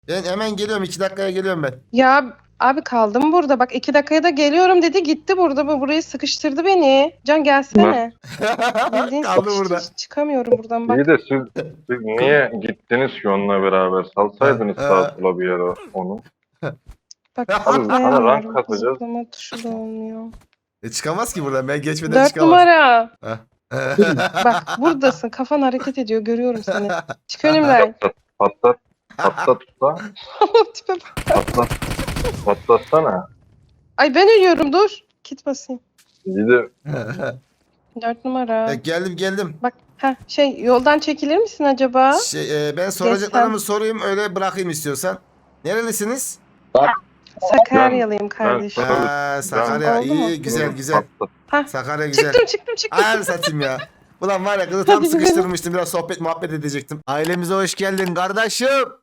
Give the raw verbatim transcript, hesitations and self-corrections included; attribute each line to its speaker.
Speaker 1: Ben hemen geliyorum. iki dakikaya geliyorum ben.
Speaker 2: Ya abi kaldım burada. Bak iki dakikaya da geliyorum dedi. Gitti burada. Bu burayı sıkıştırdı beni. Can gelsene. Bildiğin
Speaker 1: Kaldı
Speaker 2: sıkıştı.
Speaker 1: burada.
Speaker 2: Çıkamıyorum buradan bak.
Speaker 3: İyi de siz, siz niye gittiniz ki onunla beraber? Salsaydınız
Speaker 1: Ha, ha.
Speaker 3: sağa sola bir yere onu.
Speaker 2: Bak
Speaker 3: Abi sana
Speaker 2: zıplayamıyorum.
Speaker 3: rank katacağız.
Speaker 2: Zıplama tuşu da olmuyor.
Speaker 1: E çıkamaz ki buradan. Ben geçmeden
Speaker 2: Dört
Speaker 1: çıkamaz.
Speaker 2: numara.
Speaker 1: Ha.
Speaker 2: Bak buradasın. Kafan hareket ediyor. Görüyorum seni. Çık önümden.
Speaker 3: Patlat, patlat usta.
Speaker 2: Tipe bak.
Speaker 3: Patlat, patlatsana.
Speaker 2: Ay ben ölüyorum dur. Kit basayım.
Speaker 3: İyi de
Speaker 2: Dört numara.
Speaker 1: E, geldim geldim.
Speaker 2: Bak ha şey yoldan çekilir misin acaba?
Speaker 1: Şey, e, ben soracaklarımı sorayım öyle bırakayım istiyorsan. Nerelisiniz?
Speaker 2: Sakaryalıyım
Speaker 3: ben
Speaker 2: kardeşim.
Speaker 3: Tabii.
Speaker 1: Ha, Sakarya
Speaker 2: Oldu mu?
Speaker 1: iyi güzel güzel.
Speaker 3: patlat.
Speaker 2: Ha,
Speaker 1: Sakarya güzel.
Speaker 2: çıktım çıktım çıktım.
Speaker 1: Ay satayım ya. Ulan var ya kızı tam
Speaker 2: Hadi gidelim.
Speaker 1: sıkıştırmıştım biraz sohbet muhabbet edecektim. Ailemize hoş geldin kardeşim.